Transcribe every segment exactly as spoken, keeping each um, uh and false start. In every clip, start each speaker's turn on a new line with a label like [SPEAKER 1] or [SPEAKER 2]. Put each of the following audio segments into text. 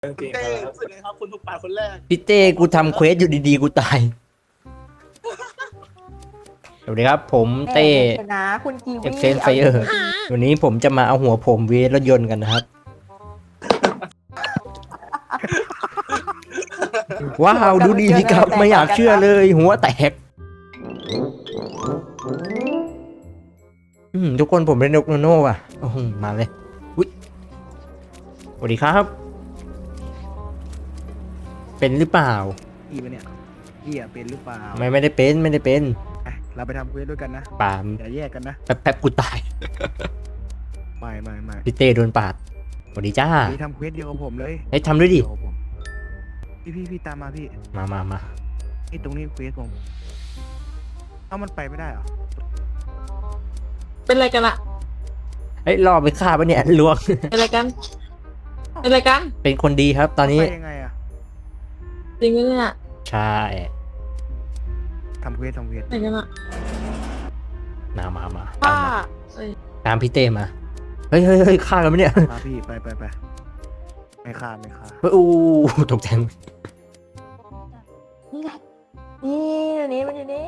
[SPEAKER 1] จริง
[SPEAKER 2] เต้
[SPEAKER 1] ครับ
[SPEAKER 2] รู้สึกไงครับคุณถูกปาดคนแรก
[SPEAKER 3] พี่เต้กูทำเควสอยู่ดีๆกูตายสวัสดีครับผมเต้
[SPEAKER 4] ชนะคุณกีวี
[SPEAKER 3] เอ็กเซนไฟเออร์วันนี้ผมจะมาเอาหัวผมเวรถยนต์กันนะครับ ว้าวดูดีครับไม่อยากเชื่อเลยหัวแตกอืมทุกคนผมเป็นนกโนโน่อ่ะโอ้โหมาเลยอุ๊ยสวัสดีครับ เป็นหรือเปล่า
[SPEAKER 1] พี่ปะเนี่ยพี่อะเป็นหรือเปล่า
[SPEAKER 3] ไม่ไม่ได้เป็นไม่ได้เป็น
[SPEAKER 1] อ่ะเราไปทำเควสด้วยกันนะ
[SPEAKER 3] ปาม
[SPEAKER 1] อย่าแยกกันนะ
[SPEAKER 3] แป๊บแป๊บกูตาย
[SPEAKER 1] ไม่ไม่ไม่
[SPEAKER 3] พี่เต้โดนปาดสวัสดีจ้า
[SPEAKER 1] พี่ทำเควสเดียวกับผมเลย
[SPEAKER 3] เฮ้ยทำด้วยดิ
[SPEAKER 1] เยวกับผมพี่พี่พี่ตามมาพี่
[SPEAKER 3] มามามา
[SPEAKER 1] นี่ตรงนี้เควสผมเอ้ามันไปไม่ได้เหรอ
[SPEAKER 5] เป็นอะไรกันอะ
[SPEAKER 3] เฮ้ยรอไปฆ่าปะเนี่ยลวง
[SPEAKER 5] เป็นอะไรกัน เป็นอะไรกัน
[SPEAKER 3] เป็นคนดีครับ ตอนนี้
[SPEAKER 1] ไปยังไงอะ
[SPEAKER 5] จริงไหมเนี่ย
[SPEAKER 3] ใช่
[SPEAKER 1] ทำเควสทำเควส
[SPEAKER 5] ไหนกันอะ
[SPEAKER 3] มามามา
[SPEAKER 5] ป้า
[SPEAKER 3] ตามมา
[SPEAKER 5] เอ้ย
[SPEAKER 3] ตามพี่เต้มาเฮ้ยเฮ้ยเฮ้ยฆ่ากันปะเนี่ย
[SPEAKER 1] พาพี่ไปไปไปไม่ฆ่าไม่ฆ่า
[SPEAKER 3] เฮ้ยอู้ตกใจ
[SPEAKER 4] นี่ไงนี่อยู่นี่มันอยู่นี่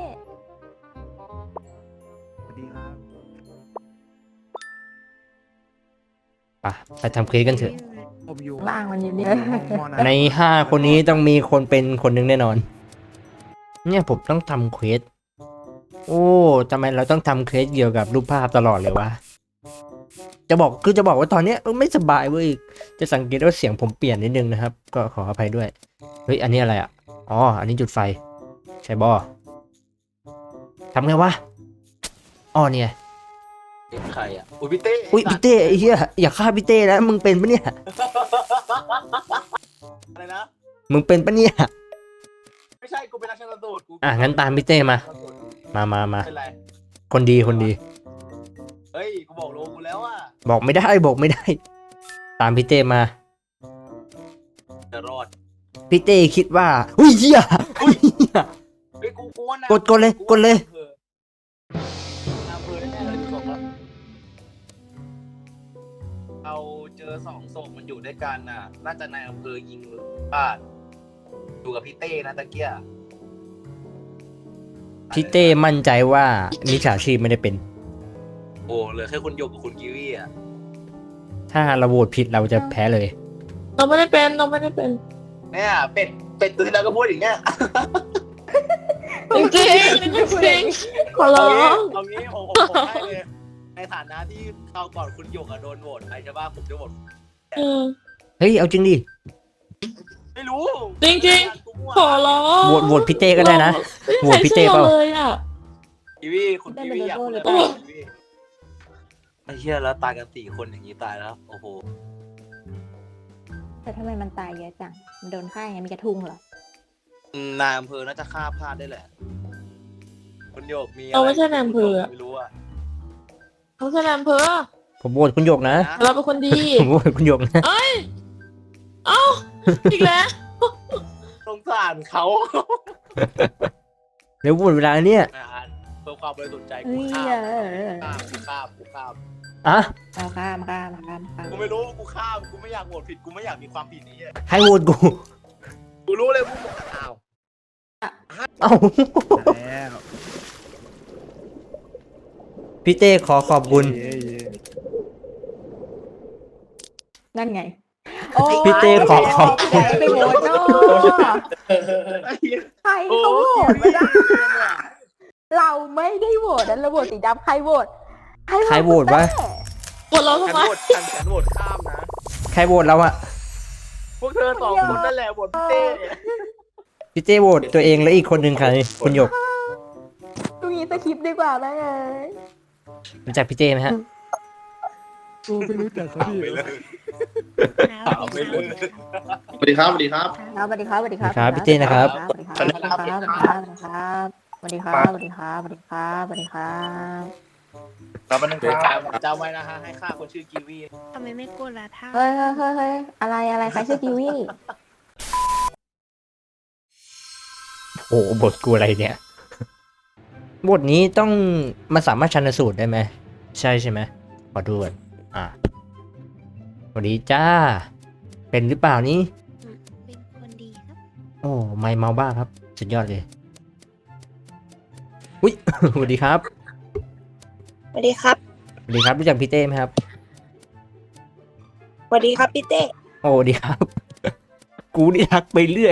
[SPEAKER 1] สวัสดีครับ
[SPEAKER 3] ไปไปทำเควสกันเถอะ
[SPEAKER 1] ผมอยู่
[SPEAKER 4] ล่างมันอยู่นี่
[SPEAKER 1] ห้องมอนะ
[SPEAKER 3] ในห้าคนนี้ต้องมีคนเป็นคนหนึ่งแน่นอน เนี่ยผมต้องทำเควสโอ้ทำไมเราต้องทำเควสเกี่ยวกับรูปภาพตลอดเลยวะจะบอกคือจะบอกว่าตอนเนี้ยเออไม่สบายเว้ยจะสังเกตว่าเสียงผมเปลี่ยนนิดนึงนะครับ ก็ขออภัยด้วยเฮ้ยอันนี้อะไรอ่ะอ๋ออันนี้จุดไฟใช่บอทำไงวะอ๋อเนี่ย
[SPEAKER 2] เป็นใครอ่ะอุ้ยพี่เต้
[SPEAKER 3] อุ้ยพี่เต้ไอ้เหี้ยอย่าฆ่าพี่เต้นะมึงเป็นปะเนี่ย
[SPEAKER 2] อะไรนะ
[SPEAKER 3] มึงเป็นปะเนี่ย
[SPEAKER 2] ไม่ใช่กูเป็นนักชันสูตรกู
[SPEAKER 3] อ่ะงั้นตามพี่เต้มา มามามา
[SPEAKER 2] เป็นไร
[SPEAKER 3] คนดีคนดี
[SPEAKER 2] เฮ้ยกูบอกโลกูแล้วอ่ะ
[SPEAKER 3] บอกไม่ได้บอกไม่ได้ ตามพี่เต้มา
[SPEAKER 2] จะรอด
[SPEAKER 3] พี่เต้คิดว่าอุ้ยเหี้ยอุ้ยเหี้ย
[SPEAKER 2] เฮ้ยกูกูว่านะ
[SPEAKER 3] กดกดเลยกดเลย
[SPEAKER 2] อำเภอแน่ๆเลยดูศพแล้วเราเจอสองศพมันอยู่ด้วยกันน่ะ น่าจะนายอำเภอยิงป้าดอยู่กับพี่เต้นะตะเกีย
[SPEAKER 3] พี่เต้มั่นใจว่ามิจฉาชีพไม่ได้เป็น
[SPEAKER 2] โอ้เหลือแค่คุณโยกกับคุณกิวี่อ่ะ
[SPEAKER 3] ถ้าเราโหวตผิดเราจะแพ้เลย
[SPEAKER 5] เราไม่ได้เป็น เราไม่ได้เป็น
[SPEAKER 2] เนี่ยเป็ดเป็ดตัวที่แล้วก็พูดอย่างเงี้ย
[SPEAKER 5] จริงจริงจริงจริงขอร้อ
[SPEAKER 2] เอา
[SPEAKER 5] ง
[SPEAKER 2] งี้เอางี้ผมผมผมให้เลย ในฐานะที่คราวก่อนคุณโยกอะโดนโหวตใครใช่ป่ะผมจะโหวต
[SPEAKER 5] เออ
[SPEAKER 3] เฮ้ยเอาจริงดิ
[SPEAKER 2] ไม่รู้
[SPEAKER 5] จริง ขอร้อง
[SPEAKER 3] โหวตโหวตพี่เต้ก็ได้นะ โหวตพี่เต้เปล่า
[SPEAKER 5] ไม่ใช่เลยอะ
[SPEAKER 2] กีวีคุณกีวีอยากพูดอะไรบ้างกีวีไอ้เหี้ยแล้วตายกันสี่คนอย่างนี้ตายแล้ว โอ้โห
[SPEAKER 4] แต่ทำไมมันตายเยอะจัง มันโดนฆ่ายังไงมีกระทุงเหรอ
[SPEAKER 2] อืมนายอำเภอน่าจะฆ่าพลาดได้แหละ คุณโยกมีอะ
[SPEAKER 5] เราไม่ใช่นายอำเภออะ
[SPEAKER 2] ไม่รู้อะ
[SPEAKER 5] เขาแสดงอำเภอ
[SPEAKER 3] ผมโหวตคุณหยกนะ
[SPEAKER 5] เราเป็นคนดี
[SPEAKER 3] ผมโหวตคุณหยกนะ
[SPEAKER 5] เอ้ย เอ้า อีกแล้ว
[SPEAKER 2] สงสารเขา
[SPEAKER 3] เดี๋ยวโหวตเวลาเนี่ย
[SPEAKER 2] นะฮะเพื่อความบริสุทธิ์ใจ
[SPEAKER 4] เฮ้
[SPEAKER 2] กู
[SPEAKER 4] ย
[SPEAKER 2] ฆ่า
[SPEAKER 4] เออ
[SPEAKER 2] ฆ่ากูฆ่ากูฆ่า
[SPEAKER 3] อ่ะ
[SPEAKER 4] เอาข้ามข้ามข้ามข้าม
[SPEAKER 2] กูไม่รู้กูฆ่ากูไม่อยากโหวตผิดกูไม่อยากมีความผิดนี้อะ
[SPEAKER 3] ให้โหวตกู
[SPEAKER 2] กูรู้เลยกูอ้าว
[SPEAKER 3] เอ้า
[SPEAKER 1] แล้ว
[SPEAKER 3] พี่เต้ขอขอบคุณ
[SPEAKER 1] เย้เย้
[SPEAKER 4] นั่นไงโอ้
[SPEAKER 3] พี่เต้ขอขอบคุณ
[SPEAKER 4] ใครไปโหวตเนาะ
[SPEAKER 2] ไอ้เหี้ย
[SPEAKER 4] ใครเขาโหวตไม่ได้ เราไม่ได้โหวตนั้นเราโหวตสีดำใครโหวต
[SPEAKER 3] ใครโหวตวะ
[SPEAKER 5] ปวดเรา
[SPEAKER 2] ฉั
[SPEAKER 5] ทำ
[SPEAKER 2] น
[SPEAKER 5] ไม
[SPEAKER 2] โหวตฉันฉันโหวตข้ามนะ
[SPEAKER 3] ใครโหวตเราอะ
[SPEAKER 2] พวกเธอสองคนนั่นแหละโหวตพี่เต้
[SPEAKER 3] พี่เต้โหวตตัวเองแล้วอีกคนหนึ่งใครคุณหยก
[SPEAKER 4] ตรงนี้สคริปต์ดีกว่าไหมเอ้ย
[SPEAKER 3] รู้จักพี่เต้ไหมฮะ
[SPEAKER 1] กูไม่รู้จักเขาดิ
[SPEAKER 2] ไปเลยเอาไปเลย
[SPEAKER 6] สวัสดีครับ สวัสดีครับ
[SPEAKER 4] ครับสวัสดีครับสวัสดีครับ
[SPEAKER 3] ครับพี่เต้นะครับ
[SPEAKER 4] สวัสดีครับสวัสดีครับสวัสดีครับสวัสดีครับสวัสดีครับสวัสดีครับสวัสดีครับ
[SPEAKER 2] ครับมันนึงครับจำไว้นะฮะให้ฆ่าคนชื่อกีวี
[SPEAKER 7] ทำไมไม่กดล่ะท่า
[SPEAKER 4] เฮ้ยเฮ้ยเฮ้ยเฮ้ยอะไรอะไรใครชื่อกิวี่
[SPEAKER 3] โอ้โหบทกูอะไรเนี่ย บทนี้ต้องมันสามารถชันสูตรได้ไหมใช่ใช่ไหมขอดูก่อนอ่ะสวัสดีจ้า เป็นหรือเปล่านี้โอ้ไม่เมาบ้าครับสุดยอดเลยอุ้ย สวัสดีครับ
[SPEAKER 7] สวัสดีครับ
[SPEAKER 3] สวัสดีครับรู้จักพี่เต้ไหมครับ
[SPEAKER 7] สวัสดีครับพี่เต้
[SPEAKER 3] โอ้สวัสดีครับ กูนี่ทักไปเรื่อย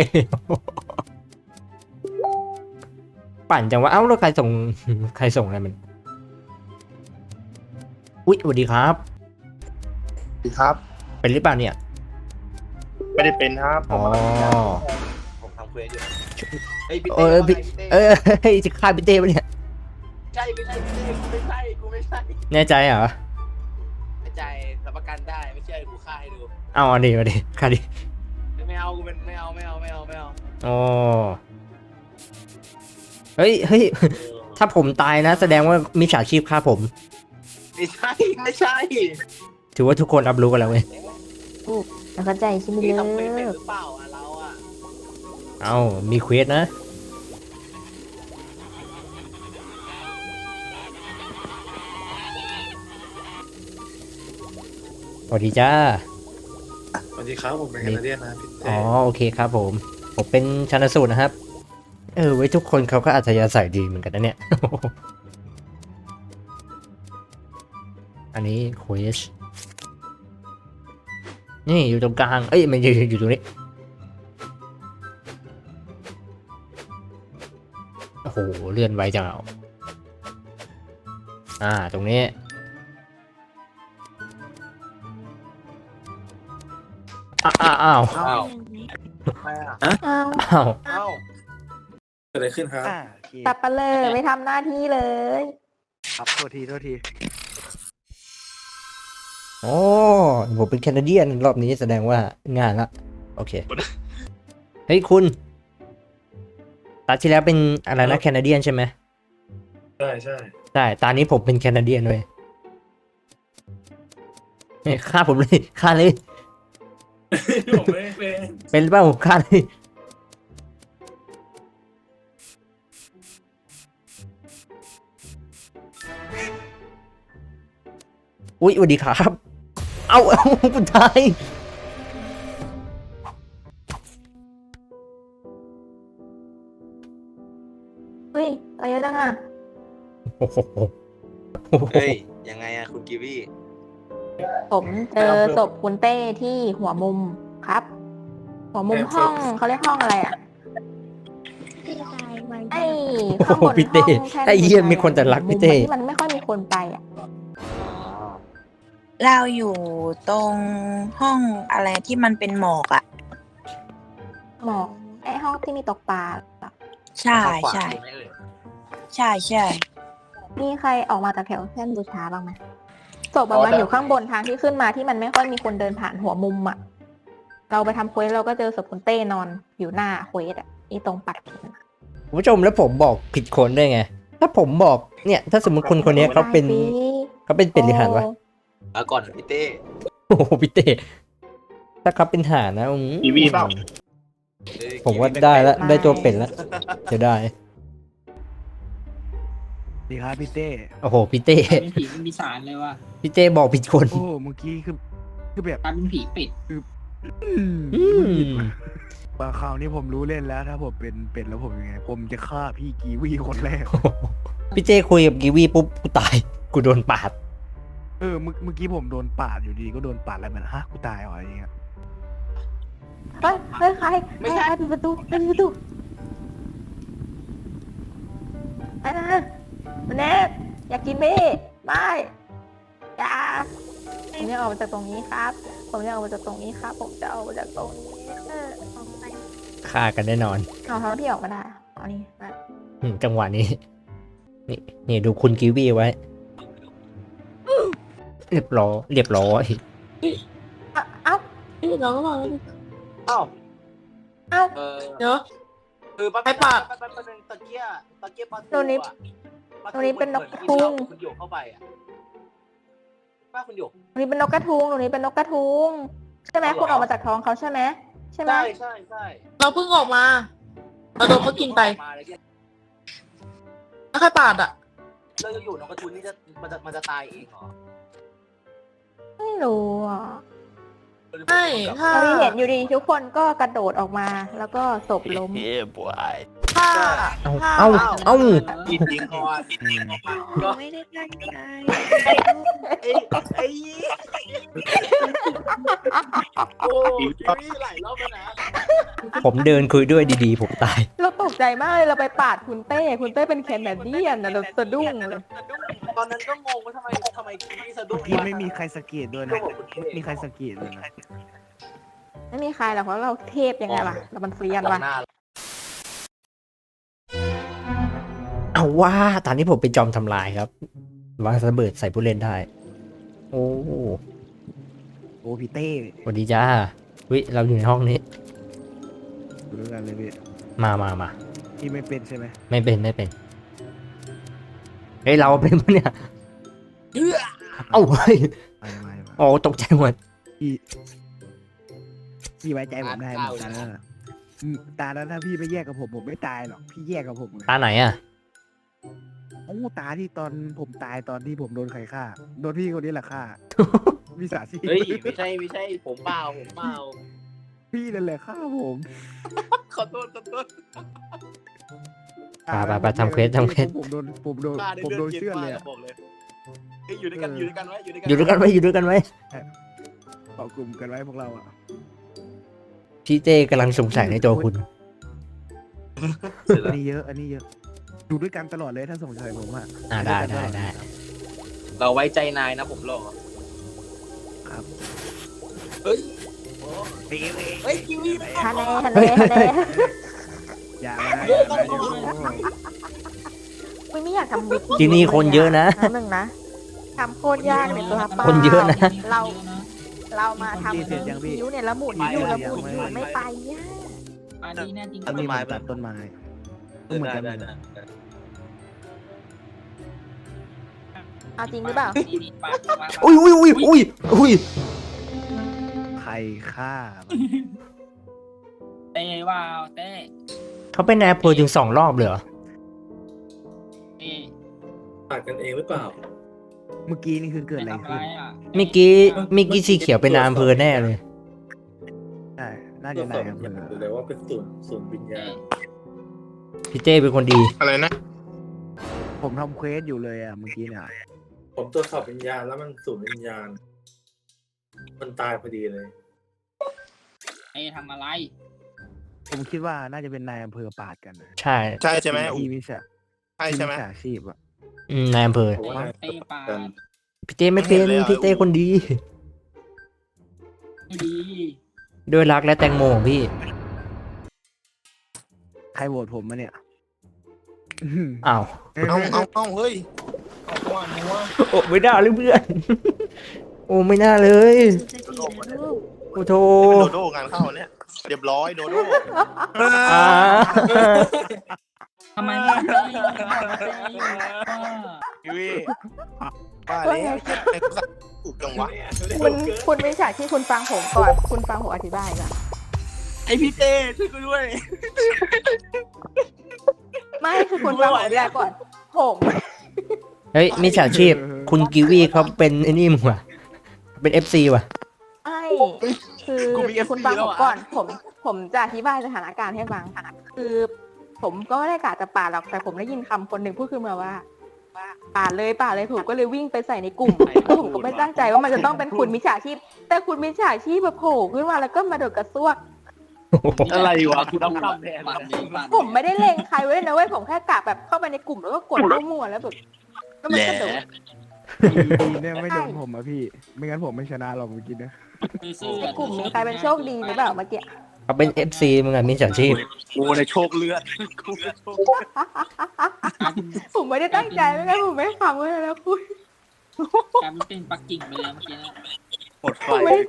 [SPEAKER 3] ปั่นจังว่าเอ้าแล้วใครส่ง ใครส่งอะไรมันอุ๊ยสวัสดีครับ
[SPEAKER 6] สวัสดีครับ
[SPEAKER 3] เป็นหรือเปล่าเนี่ย
[SPEAKER 6] ไม่ได้เป็นครับ
[SPEAKER 3] อ๋อ
[SPEAKER 2] ผมทำเควสอยู่เฮ้ยพี่
[SPEAKER 3] เอ
[SPEAKER 2] เต้
[SPEAKER 3] อพี่
[SPEAKER 2] พี่เต้
[SPEAKER 3] เออเฮ้ยจะฆ่าพี่เต้ปะเนี่ย
[SPEAKER 2] ใช่ไม่ใช่พี่เต้กูไม่ใช่กูไม่ใช่
[SPEAKER 3] แน่ใจเหรอ
[SPEAKER 2] ไม่ใจรับประกันได้ไม่เชื่อกูฆ่าให้ดู
[SPEAKER 3] เอาอันนี้มาดิฆ่าดิ
[SPEAKER 2] ไม่เอากูเป็นไม่เอาไม่เอาไม่เอาไม่เอา
[SPEAKER 3] อ๋อเฮ้ยเฮ้ยถ้าผมตายนะ แสดงว่ามิจฉาชีพฆ่าผม
[SPEAKER 2] ไม่ใช่ไม่ใช่
[SPEAKER 3] ถือว่าทุกคนรับรู้กันแล้วเว้ย
[SPEAKER 4] แล้วเข้าใจใช่ไหม
[SPEAKER 2] พี่
[SPEAKER 4] เลิ
[SPEAKER 2] ทำเควสเป็น
[SPEAKER 4] ก
[SPEAKER 2] หรือเปล่าอ่ะเราอ่ะ
[SPEAKER 3] เอามีเควสนะสวัสดีจ้า
[SPEAKER 6] สวัสดีครับ ผมเป็นแคนาเดียนนะพี่เต้
[SPEAKER 3] อ๋อโอเคครับผม ผมเป็นชันสูตรนะครับ เออไว้ทุกคนเขาก็อัธยาศัยดีเหมือนกันนะเนี่ย อันนี้เควสนี่อยู่ตรงกลาง เอ้ยมันอยู่อยู่ตรงนี้ โอ้โหเลื่อนไวจังเอาอ่าตรงนี้ อ้าวอ้าว
[SPEAKER 2] อ้าว
[SPEAKER 4] อ้าว
[SPEAKER 3] อ้าว
[SPEAKER 2] อ้าว
[SPEAKER 6] เกิดอะไรขึ้นครับ
[SPEAKER 1] อ่าโอเค
[SPEAKER 4] ตับปะเลยไม่ทำหน้าที่เลย
[SPEAKER 1] ครับโทษทีโทษที
[SPEAKER 3] โอ้ผมเป็นแคนาเดียนรอบนี้แสดงว่างานละ โอเค เฮ้ยคุณตาที่แล้วเป็นอะไรนะแคนาเดียนใช่ไหม
[SPEAKER 6] ใช่ใช่
[SPEAKER 3] ใช่ตานี้ผมเป็นแคนาเดียนเลยเฮ้ยฆ่าผมเลยฆ่าเลย
[SPEAKER 6] ผมไม่ได้เป็น
[SPEAKER 3] เป็นหรือเปล่าฆ่าเลยอุ๊ยสวัสดีครับ เอาเอาคุณตาย
[SPEAKER 4] เฮ้ยอะไรเยอะจังอ่ะ
[SPEAKER 3] โอ้โห
[SPEAKER 2] เฮ้ยยังไงอะคุณกีวี
[SPEAKER 4] ผมเจอศพคุณเต้ที่หัวมุมครับ หัวมุมห้องเขาเรียกห้องอะไรอ่ะไอ้ข้างบน
[SPEAKER 3] พี่เต้
[SPEAKER 4] ห้องแท่น
[SPEAKER 3] ไอ้เหี้ยมีคนแต่รักพี่เต้
[SPEAKER 4] มุมที่มันไม่ค่อยมีคนไปอ่ะ
[SPEAKER 7] เราอยู่ตรงห้องอะไรที่มันเป็นหมอกอะ่ะ
[SPEAKER 4] หมอกไอ้ห้องที่มีตกปลาเหรอ
[SPEAKER 7] ใช่ใช่
[SPEAKER 2] ทางขวาถูกไหมเอ่ย
[SPEAKER 7] ใช่ใช่
[SPEAKER 4] มีใครออกมาจากแถวเส้นบูชาบ้างไหมศพอะมันอยู่ข้างบนทางที่ขึ้นมาที่มันไม่ค่อยมีคนเดินผ่านหัวมุมอ่ะ เราไปทำเควสเราก็เจอศพคุณเต้นอนอยู่หน้าเควสอ่ะอีตรงปัดเข็ม
[SPEAKER 3] คุณผู้ชมแล้วผมบอกผิดคนได้ไง ถ้าผมบอกเนี่ย ถ้าสมมติคนคนนี้เขาเป็น
[SPEAKER 4] ได้สิ
[SPEAKER 3] เขาเป็นเป็นหรือหานวะ
[SPEAKER 2] เอาก่อนเถอะพี่เต้
[SPEAKER 3] โอ้โหพี่เต้ถ้าเขาเป็นหานนะอืม
[SPEAKER 6] กีวีเปล่า
[SPEAKER 2] เอ้ย
[SPEAKER 3] ผมว่าได้แล้วได้ตัวเป็นแล้วจะได้
[SPEAKER 1] ดีครับพี่เต้
[SPEAKER 3] โอ้โหพี่เต้
[SPEAKER 5] เป็นผีเป็นปีศาจเลยว่ะ
[SPEAKER 3] พี่เต้บอกผิดคน
[SPEAKER 1] โอ้เมื่อกี้คือคือแบบ
[SPEAKER 5] กลายเป็นผีปิด
[SPEAKER 1] อืม
[SPEAKER 3] อืม
[SPEAKER 1] บางคราวนี้ผมรู้เล่นแล้ว ถ้าผมเป็นเป็นแล้วผมยังไง ผมจะฆ่าพี่กีวีคนแรก
[SPEAKER 3] พี่เต้คุยกับกีวีปุ๊บกูตายกูโดนปาด
[SPEAKER 1] เออเมื่อเมื่อกี้ผมโดนปาดอยู่ดีก็โดนปาดแล้วเหมือนฮะกูตายเหรออะไรอย่างเงี้ย
[SPEAKER 4] เฮ้ยเฮ้ยใครไม่ใช่ปิดประตูปิดประตูไอ้นะมันเนทอยากกินเม่ไม่อย่าผมจะออกมาจากตรงนี้ครับ ผมจะออกมาจากตรงนี้ครับ ผมจะออกมาจากตรงนี้เออออกไป
[SPEAKER 3] ฆ่ากันแน่นอน
[SPEAKER 4] เอาเท่าที่ออกมาได้เอานี่มา
[SPEAKER 3] อืมจังหวะนี้ นี่นี่ดูคุณกีวีไว้ เรียบร้อยเรียบร้อย
[SPEAKER 4] เอ้าเอ้า
[SPEAKER 5] เอ้ยเราก็บอก
[SPEAKER 2] อ้าว
[SPEAKER 4] เอ้า
[SPEAKER 2] เออ
[SPEAKER 5] เนาะ
[SPEAKER 2] คือป้า
[SPEAKER 5] ไอ้ปาก
[SPEAKER 2] ป้าป้าป้าเป็นตะเกียบตะเกียบปลาทู
[SPEAKER 4] ตัวนี้
[SPEAKER 2] อะปลาทู
[SPEAKER 4] ตัวนี้เป็นนก
[SPEAKER 2] หมือ
[SPEAKER 4] ทุ่ง
[SPEAKER 2] คุณหยกเข้าไปอ่ะป้าคุณหยก
[SPEAKER 4] ตรงนี้เป็นนกกระทุงตรงนี้เป็นนกกระทุงใช่ไหม
[SPEAKER 2] เอาเหรอ
[SPEAKER 4] คุณออกมาจากท้องเขาใช่ไหมใช่ไหม
[SPEAKER 2] ใช่ใช่ใช่
[SPEAKER 5] เราเพิ่งออกมา เราโดนเขากินไป
[SPEAKER 2] มาเลยเนี่ย
[SPEAKER 5] แล้วใครปาดอ่ะ
[SPEAKER 2] เราจะอยู่นกกระทุนนี่จะมันจะมันจะตายเองเหรอ
[SPEAKER 4] ไม่รู้อ่ะ
[SPEAKER 5] ไม่ถ้า
[SPEAKER 4] เราเห็นอยู่ดีทุกคนก็กระโดดออกมา แล้วก็ศพล้ม
[SPEAKER 5] ถ้า
[SPEAKER 3] เอา
[SPEAKER 5] ถ้า
[SPEAKER 3] เอาเอา
[SPEAKER 2] จริงๆก่อน
[SPEAKER 8] ไม่ได้ตั้งใจ
[SPEAKER 2] ไอ้ไอ้โอ้ยหลายรอบแล้วนะ
[SPEAKER 3] ผมเดินคุยด้วยดีๆ ผมตาย
[SPEAKER 4] เราตกใจมากเลยเราไปปาดคุณเต้ คุณเต้เป็นแคนาเดียนนะเราสะดุ้งเลย
[SPEAKER 2] ตอนนั้นก็งงว่าทำไมทำไมพี่สะดุ้
[SPEAKER 1] เมื่
[SPEAKER 2] ง
[SPEAKER 1] อกี้ไม่มีใครสังเกตด้วยนะไม่มีใครสังเกตเลยนะ
[SPEAKER 4] ไม่มีใครหรอกเพราะเราเทพยังไงล่ะเรามันเซียน
[SPEAKER 2] ตอ
[SPEAKER 4] ว่ะ
[SPEAKER 2] นหน้า
[SPEAKER 3] เอาว่าตอนนี้ผมเป็นจอมทำลายครับวางระเบิดใส่ผู้เล่นได้ โอ้
[SPEAKER 1] โอ้พี่เต้
[SPEAKER 3] สวัสดีจ้าวิเราอยู่ในห้องนี้
[SPEAKER 1] ดูด้วยกันเลยพี่
[SPEAKER 3] มามามา
[SPEAKER 1] พี่ไม่เป็นใช่ไหม
[SPEAKER 3] ไม่เป็นไม่เป็น เฮ้ยเราเป็นปะเนี่ย เอ้าเฮ้ย
[SPEAKER 1] ไม่ไม่ไม่
[SPEAKER 3] โอ้ตกใจหมด
[SPEAKER 1] พี่พี่ไว้ใจผมได้หมดตาแล้วนะอืมตาแล้วถ้าพี่ไม่แยกกับผมผมไม่ตายหรอกพี่แยกกับผมเลย
[SPEAKER 3] ตาไหนอ่ะ
[SPEAKER 1] โอ้ตาที่ตอนผมตายตอนที่ผมโดนใครฆ่าโดนพี่คนนี้แหละฆ่าวิสาชีพ
[SPEAKER 2] เฮ้ยไม่ใช่ไม่ใช่ผมเปล่าผมเปล่า
[SPEAKER 1] พี่นั่นแหละฆ่าผม
[SPEAKER 2] ขอโทษขอโทษ
[SPEAKER 3] ไปไปไปทำเควสทำเควส
[SPEAKER 1] ผมโดนผมโดน
[SPEAKER 2] ป้าได้
[SPEAKER 1] ผม
[SPEAKER 2] เลื
[SPEAKER 1] โด
[SPEAKER 2] อด
[SPEAKER 1] น
[SPEAKER 2] เย็น
[SPEAKER 1] เชื่อด
[SPEAKER 2] มา
[SPEAKER 1] เลย
[SPEAKER 2] ก
[SPEAKER 1] อะ
[SPEAKER 2] บอกเลยเฮ้ยอยู่ด้วยกันอยู่ด้วยกันไว้อยู่ด้วยกัน
[SPEAKER 3] อยู่ด้วยกันไว้อยู่ด้วยกันไว้
[SPEAKER 1] เกาะกลุ่มกันไว้พวกเราอ่ะ
[SPEAKER 3] พี่เต้กำลังสงสัยในตัวคุณ
[SPEAKER 1] อันนี้เยอะอันนี้เยอะอยู่ด้วยกันตลอดเลยถ้าสงสัยผมอ่ะ
[SPEAKER 3] อ่าได้ได้ได้
[SPEAKER 2] เราไว้ใจนายนะผมหรอ
[SPEAKER 1] ครับ
[SPEAKER 2] เฮ้ยเฮ้ยกิวี่ไม่
[SPEAKER 4] ทะเลทะเลทะเล
[SPEAKER 1] อย่ามาอย่ามาอย่ามา
[SPEAKER 4] ไม่ไม่อยากทำวิก
[SPEAKER 3] ที่นี่คนเยอะนะ
[SPEAKER 4] หนึ่งนะทำโคตรยากเลยตัวป้า
[SPEAKER 3] คนเยอะนะ
[SPEAKER 4] เรา เรามาทำคิ้วเนี่ยแล้วหมุนอยู่แล้วหมุนอยู่ไม่ไปย่า
[SPEAKER 8] อันนี้แน่จริง
[SPEAKER 1] อันนี้มันตัดต้นไม้ก็เหมือนกัน
[SPEAKER 2] ได้ได้
[SPEAKER 4] เอาจริงหรือเปล่า
[SPEAKER 8] นี่นี่ปากปาก
[SPEAKER 3] อุ้ยอุ้ยอุ้ยอุ้ยอุ้ย
[SPEAKER 1] ใครฆ่า
[SPEAKER 8] เต้ว้าวเต้
[SPEAKER 3] เขาเป็นนายอำเภอถึงสองรอบเลยเหรอ
[SPEAKER 8] เต้
[SPEAKER 6] ปาดกันเองหรือเปล่า
[SPEAKER 1] เมื่อกี้นี่คือเกิดอะไร
[SPEAKER 8] ทำ
[SPEAKER 1] ขึ้น
[SPEAKER 8] อ่ะ
[SPEAKER 3] เมื่อกี้เมื่อกี้สีเขียวเป็นนายอำเภอแน่เลย
[SPEAKER 1] ใช่น่า
[SPEAKER 6] ตร
[SPEAKER 1] จะ
[SPEAKER 6] วจส
[SPEAKER 1] นา
[SPEAKER 6] อบ
[SPEAKER 1] ยอำเภอ
[SPEAKER 6] หรือว่าเป็นศูนย์ศูนย์วิญญาณ
[SPEAKER 3] พี่เต้เป็นคนดี
[SPEAKER 6] อะไรนะ
[SPEAKER 1] ผมทำเควสอยู่เลยอ่ะเมื่อกี้เนี่ย
[SPEAKER 6] ผมตรวจสอบวิญญาณแล้วมันศูนย์วิญญาณ มันตายพอดีเลย
[SPEAKER 8] เต้ทำอะไร
[SPEAKER 1] ผมคิดว่าน่าจะเป็นนายอำเภอปาดกันนะ
[SPEAKER 3] ใช่
[SPEAKER 9] ใช่ใช่ไหม
[SPEAKER 1] ที่มิชา
[SPEAKER 9] ใช่ใช่ไหม
[SPEAKER 1] ที่มิจฉาชีพอ่ะ
[SPEAKER 3] อืมนายอำเภอ
[SPEAKER 6] ผมว่า
[SPEAKER 8] เต้ปาด
[SPEAKER 3] พี่เต้ไม่เป็น
[SPEAKER 9] ไม่เห็นเลยอะ
[SPEAKER 3] พี่เต้คนดี
[SPEAKER 8] ไม่ดี
[SPEAKER 3] ด้วยรักและแตงโมของพี่
[SPEAKER 1] ใครโหวตผมมาเนี่ย
[SPEAKER 3] อ้าว
[SPEAKER 9] เอาเอาเอาเฮ้ย
[SPEAKER 8] เอาว่านัว
[SPEAKER 3] โอ้ไม่น่าเลยเพื่อน โอ้ไม่น่าเลย โอ้โธ
[SPEAKER 9] เป็นโดโดงานเข้าเนี่ย เรียบร้อยโดโด
[SPEAKER 3] อ่า
[SPEAKER 8] ทำไมไม่เต้
[SPEAKER 9] ยูวี่ป้าแล้วไอ้สัตว์ถูกจังวะ
[SPEAKER 4] คุณคุณวิชาที่คุณฟังผมก่อน คุณฟังผมอธิบายก่อน
[SPEAKER 2] ไอพี่เต้ช่วยกูด้วย
[SPEAKER 4] ไม่คือคุณฟังผมอธิบายก่อน ผม
[SPEAKER 3] เฮ้ยมิจฉาชีพ คุณกิวี่เขาเป็นไอ้นี่มึงว่ะ เป็นเอฟซีว่ะ
[SPEAKER 4] ไอ้คือคุณฟังผมก่อน ผม ผมจะอธิบายสถานการณ์ให้ฟัง คือ ผมก็ไม่ได้กะจะปาดหรอก แต่ผมได้ยินคำคนหนึ่งพูดขึ้นมาว่าปาดเลยปาดเลยผมก็เลยวิ่งไปใส่ในกลุ่มแล้วผมก็ไม่ตั้งใจว่ามันจะต้องเป็นคุณมิจฉาชีพ แต่คุณมิจฉาชีพแบบโผล่ขึ้นมาแล้วก็มาโดดกระซวก
[SPEAKER 2] อะไรวะคุณต้องทำแทน
[SPEAKER 8] ปาดเลยปาด
[SPEAKER 4] ผมไม่ได้เล็งใครไว้เลยนะเว้ยผมแค่กะแบบเข้าไปในกลุ่มแล้วก็กดมั่วๆแล้วแบบก็มันกระโดด
[SPEAKER 1] ดีเนี่ยไม่โดนผมอ่ะพี่ ไม่งั้นผมไม่ชนะหรอกเมื่อกี้นะ
[SPEAKER 8] ซื่อ
[SPEAKER 4] ในกลุ่มมีใครเป็นโชคดีหรือเปล่าเมื่อกี้
[SPEAKER 3] เขาเป็นเอฟซีมึงอะมิจฉาชีพ
[SPEAKER 2] กูในโชคเลือดกูในโชค
[SPEAKER 4] ผมไม่ได้ตั้งใจไม่งั้นผมไม่ทำเลยนะคุณ
[SPEAKER 8] กลายเป็นปักกิ่งไปแล้วเมื่อกี้นะ
[SPEAKER 2] หมดไฟ
[SPEAKER 4] ผมไม่ได้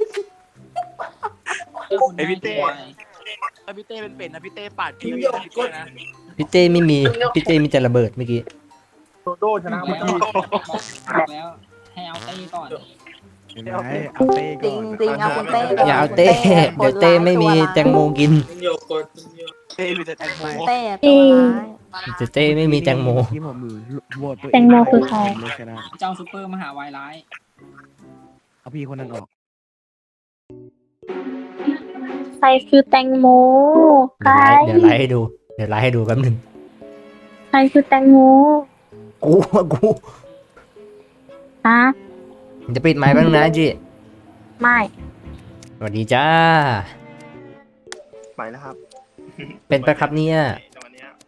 [SPEAKER 2] ไอพี่เต้ไอพี่เต้เป็นเป็นนะพี่เต้ปาดพี่วีนะพี่เต้นะ
[SPEAKER 3] พี่เต้ไม่มี พี่เต้มีแต่ระเบิดเมื่อกี้
[SPEAKER 2] โดโดชนะเมื่อกี้
[SPEAKER 8] บอกแล้วให้เอาเต้ก่อน
[SPEAKER 1] เห็นไหมเอาเต้
[SPEAKER 4] จริ
[SPEAKER 1] ก่
[SPEAKER 4] ง
[SPEAKER 1] อน
[SPEAKER 4] จริงเอาคุณเต้ก่อน
[SPEAKER 3] อย่าเอาเต้ เดี๋ยวเต้ไม่มีแตงโมกิน
[SPEAKER 6] โยกดโยก
[SPEAKER 2] เต้มีแต่แตงโม
[SPEAKER 4] เต้ตัวร้าย
[SPEAKER 3] เดี๋ยวเต้ไม่มีแตงโม
[SPEAKER 1] ที่ผมมือโหวตตัวเอง
[SPEAKER 10] แตงโมคือใคร
[SPEAKER 1] ผมเลยชนะ
[SPEAKER 8] เจ้าซูเปอร์มหาวายร้าย
[SPEAKER 1] เอาพี่คนนั้นออก
[SPEAKER 5] ใครคือแตงโมใคร
[SPEAKER 3] เดี๋ยวไลฟ์เดี๋ยวไลฟ์ให้ดู เดี๋ยวไลฟ์ให้ดูแป๊บหนึง
[SPEAKER 5] ใครคือแตงโม
[SPEAKER 3] กูกู
[SPEAKER 5] ฮะ
[SPEAKER 3] จะปิดไมค์แป๊บนึงนะจี
[SPEAKER 5] ไม่
[SPEAKER 3] สวัสดีจ้า
[SPEAKER 9] ไปแล้วครับ
[SPEAKER 3] เป็นปะครับเนี่ย
[SPEAKER 9] ตอนเนี้ย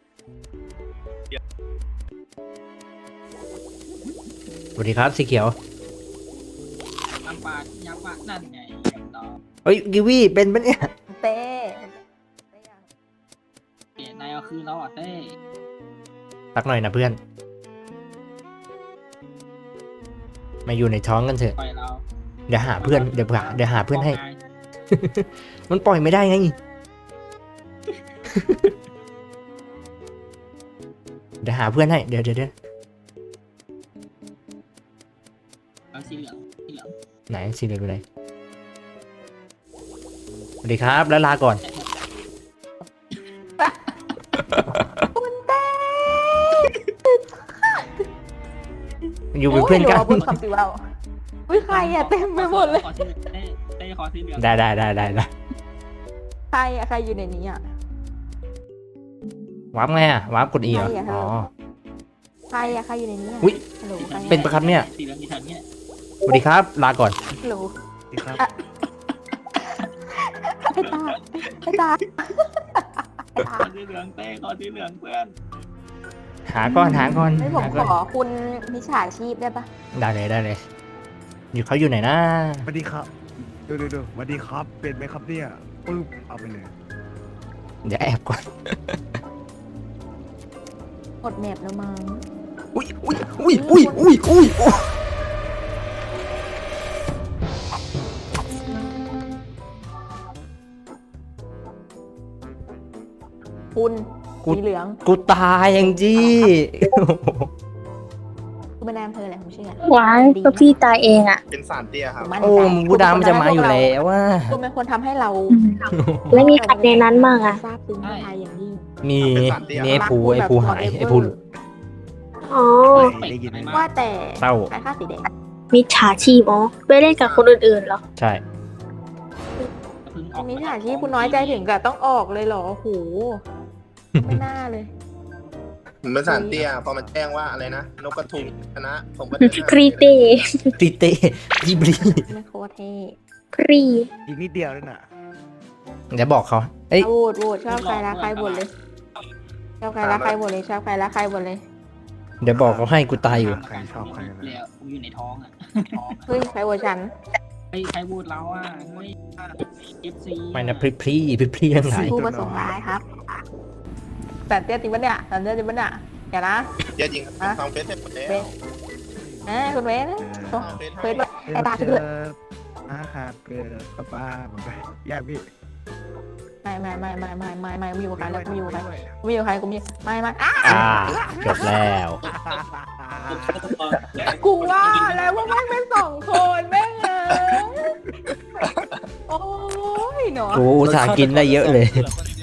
[SPEAKER 3] สวัสดีครับสีเขียว
[SPEAKER 8] ลำปากยักษ์ว่านั่นไงเรียบร้อย
[SPEAKER 3] เฮ้ยกิวี่เป็นปะเนี่ย
[SPEAKER 4] เต้
[SPEAKER 8] เอ๊ะนายเอาคืนแล้วอ่ะเต้
[SPEAKER 3] สักหน่อยนะเพื่อน มาอยู่ในท้องกันเถอะ
[SPEAKER 8] ปล่อยเรา
[SPEAKER 3] เดี๋ยวหาเพื่อน เดี๋ยวหาเดี๋ยวหาเพื่อนให้
[SPEAKER 8] ไง
[SPEAKER 3] มันปล่อยไม่ได้ไง เดี๋ยวหาเพื่อนให้ เดี๋ยวเดี๋ยวเดี๋ยว
[SPEAKER 8] เอาสีเหลืองสีเหลือง
[SPEAKER 3] ไหนสีเหลืองอยู่ไหนสวัสดีครับ แล้วลาก่อน
[SPEAKER 4] คุณเต้
[SPEAKER 3] อยู่เป็นเพื่อนกัน
[SPEAKER 4] โยดี๋ยวราพูดคำสิว่าอุ้ยใครอะเต็มไปหมดเลย
[SPEAKER 8] ขอสีเหลืองเต้เต้ขอสีเหลือง
[SPEAKER 3] ได้ได้ได้ได้ได้
[SPEAKER 4] ใครอะใครอยู่ในนี้อะ
[SPEAKER 3] วาร์ปไงอะวาร์ปกดอีเหรอ
[SPEAKER 4] ใช่อะ
[SPEAKER 3] อ๋อ
[SPEAKER 4] ใครอะใครอยู่ในนี้อะ
[SPEAKER 3] อุ๊ย
[SPEAKER 4] ฮัลโหลใครอะ
[SPEAKER 3] เป็นปะครับเนี่ย
[SPEAKER 8] สีเหลืองที่แถวเนี้ย
[SPEAKER 3] สวัสดีครับ ลาก่อน
[SPEAKER 4] ฮัลโหล
[SPEAKER 1] ดีครับ
[SPEAKER 4] ไอ้ตาไอ้ตาไอ้ตา
[SPEAKER 8] ขอสีเหลืองเต้ขอสีเหลืองเพื่อน
[SPEAKER 3] หาก่อนหาก่อน
[SPEAKER 4] ไม่ผม
[SPEAKER 3] หา
[SPEAKER 4] ข
[SPEAKER 3] ก่อน
[SPEAKER 4] อคุณมิจฉาชีพได้ปะ
[SPEAKER 3] ได้เลยได้เลย อยู่เขาอยู่ไหนนะ
[SPEAKER 1] สวัสดีครับ ดูดูดูสวัสดีครับ เป็นไหมครับเนี่ยปึ๊บเอาไปเลย
[SPEAKER 3] เดี๋ยวแอบก่อน
[SPEAKER 4] กดแมปแล้วมั้ง
[SPEAKER 3] อุ้ยอุ้ยอุ้ยอุ้ยอุ้ยอุ้ยอุ้ย
[SPEAKER 4] คุณ
[SPEAKER 3] กู
[SPEAKER 4] สีเหลือง
[SPEAKER 3] กูตายยังจี้
[SPEAKER 4] คุณเป็นนายอำเภออะไรผมเชื่อ
[SPEAKER 5] ว้ายก็พี่ตายเองอ่ะ
[SPEAKER 9] เป็นสารเตี้ยครับ
[SPEAKER 4] มั่น
[SPEAKER 3] โอ้
[SPEAKER 4] ใจ
[SPEAKER 3] มึงกูดามันจะมาอยู่แล้วว่า
[SPEAKER 4] คุณเป็นคนทำให้เรา
[SPEAKER 5] ไม่มีใครในนั้นบ้างอ่ะ
[SPEAKER 4] ทราบซึ้งในไทยอย่างยิ่ง
[SPEAKER 3] มีมีไอ้ภูไอ้ภูหายไอ้ภู
[SPEAKER 5] อ๋อ
[SPEAKER 1] ได้ยินไหม
[SPEAKER 4] ว่าแต่
[SPEAKER 3] เศร้า
[SPEAKER 4] ใครฆ่าสีแดง
[SPEAKER 5] มิจฉาชีพอ๋อไปเล่นกับคนอื่นๆเหรอ
[SPEAKER 3] ใช่
[SPEAKER 8] เพิ่งออก
[SPEAKER 4] มิจฉาชีพคุณน้อยใจถึงกับต้องออกเลยเหรอโอ้โหไม่น่าเลย
[SPEAKER 9] ผมเป็นสารเตี้ยพอมันแจ้งว่าอะไรนะนกกระทุงชนะผมก็เดินหน้า
[SPEAKER 5] พรีเต้
[SPEAKER 3] ตีเต้จีบลี
[SPEAKER 4] มันโคตรเท่
[SPEAKER 5] พรี
[SPEAKER 1] อีกนิดเดียวเลยน่ะ
[SPEAKER 3] เดี๋ยวบอกเขาเอ้ย
[SPEAKER 4] โหวตโหวตชอบใครรักใครบ่นเลยชอบใครรักใครบ่นเลยชอบใครรักใครบ่นเลย
[SPEAKER 3] เดี๋ยวบอกเขาให้กูตายอยู่
[SPEAKER 1] ใครชอบใครนะ
[SPEAKER 8] แล้วกูอยู่ในท้องอ่ะท้องอะ
[SPEAKER 4] เฮ้ยใครโหวตฉัน
[SPEAKER 8] ไอ้ใครบูดเราอ่ะเฮ้ยเอฟซี
[SPEAKER 3] ไม่นะพรีพรีพรีพรีทั้งหลาย
[SPEAKER 4] ผู้ประสงค์ร้ายครับแต่เตี้ยจริงปะเนี่ยแต่เตี้ยจริงปะเนี่ยอย่านะ
[SPEAKER 9] เยอะจริงครับผมทำเฟซเสร็จหมดแล้ว
[SPEAKER 4] เว้ย เอ้ยคุณเว้นโอ้
[SPEAKER 9] ทำเฟซ
[SPEAKER 4] เฟซ
[SPEAKER 9] ให้
[SPEAKER 4] ไอ้ตา
[SPEAKER 1] เจ
[SPEAKER 4] เถื่อน
[SPEAKER 1] ออาหารเกิดป้าป้าผมไปแยกพี่
[SPEAKER 4] ไม่ไม่ไม่ไม่ไม่ไม่ไม่ไม่อยู่กับใครแล้วกูอยู่กับใครกูอยู่กับใครกูมีไม่ไม่อ่ะ
[SPEAKER 3] อ่าจบแล้ว
[SPEAKER 4] กูว่าแล้วว่าแม่งเป็นสองคนแม่งเอ้ยโอ้ยหนอ
[SPEAKER 3] กูอุตส่าห์กินได้เยอะเลย
[SPEAKER 8] เหลือคน